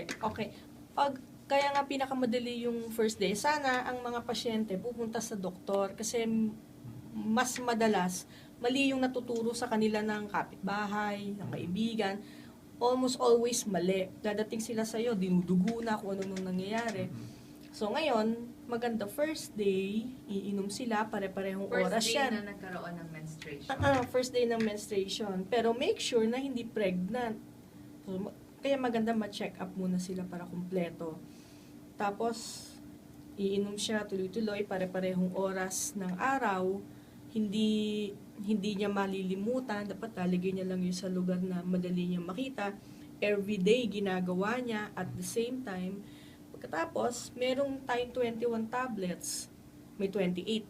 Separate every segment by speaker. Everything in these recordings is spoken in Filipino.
Speaker 1: Okay. Kaya nga pinakamadali yung first day, sana ang mga pasyente pupunta sa doktor kasi mas madalas mali yung natuturo sa kanila ng kapitbahay, ng kaibigan. Almost always mali. Dadating sila sa'yo, dinudugo na kung ano nung nangyayari. So ngayon, maganda first day, iinom sila, pare-parehong oras
Speaker 2: First day
Speaker 1: yan.
Speaker 2: na nagkaroon ng menstruation.
Speaker 1: First day ng menstruation. Pero make sure na hindi pregnant. So, kaya maganda ma-check up muna sila para kumpleto. Tapos, iinom siya tuloy-tuloy, pare-parehong oras ng araw. Hindi niya malilimutan. Dapat lalagay niya lang yun sa lugar na madali niya makita. Everyday ginagawa niya at the same time. Pagkatapos, merong tayong 21 tablets. May 28.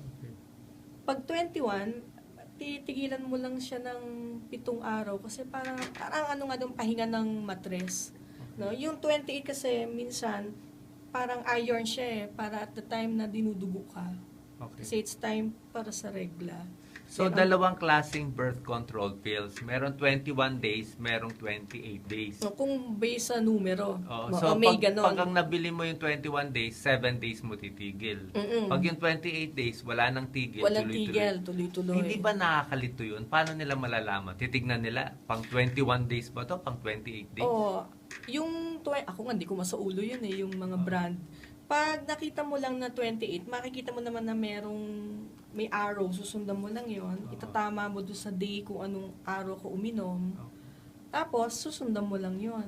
Speaker 1: Pag 21, titigilan mo lang siya ng 7 araw kasi parang ano nga yung pahinga ng matres. No? Yung 28 kasi minsan parang iron siya para at the time na dinudugo ka.
Speaker 3: Okay.
Speaker 1: Kasi it's time para sa regla.
Speaker 3: So, dalawang klaseng birth control pills. Meron 21 days, merong 28 days.
Speaker 1: So, kung based sa numero,
Speaker 3: So,
Speaker 1: may
Speaker 3: pag
Speaker 1: ganon.
Speaker 3: ang nabili mo yung 21 days, 7 days mo titigil. Pag yung 28 days, wala nang tigil.
Speaker 1: Walang
Speaker 3: tuloy-tuloy.
Speaker 1: tigil, tuloy-tuloy.
Speaker 3: Hindi ba nakakalito yun? Paano nila malalaman? Titignan nila, pang 21 days ba to? Pang 28 days?
Speaker 1: Oo. Ako nga, hindi ko masaulo yun yung mga brand. Pag nakita mo lang na 28, makikita mo naman na may arrow, susundan mo lang yon. Itatama mo doon sa day kung anong araw ko uminom. Tapos, susundan mo lang yon.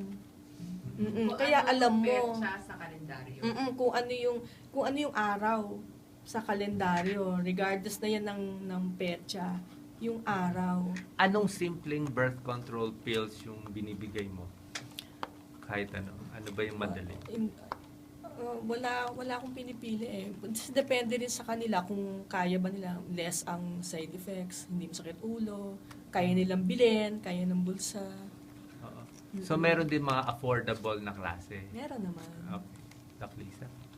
Speaker 1: Kaya alam mo
Speaker 2: petsa sa kalendaryo.
Speaker 1: kung ano yung araw sa kalendaryo, regardless na yan ng petsa, yung araw.
Speaker 3: Anong simpleng birth control pills yung binibigay mo? Kahit ano. Ano ba yung madali?
Speaker 1: Wala akong pinipili eh. Depende rin sa kanila kung kaya ba nila, less ang side effects, hindi masakit ulo, kaya nilang bilhin, kaya ng bulsa.
Speaker 3: Oo. So, meron din mga affordable na klase.
Speaker 1: Meron naman.
Speaker 3: Okay. Doc Lisa?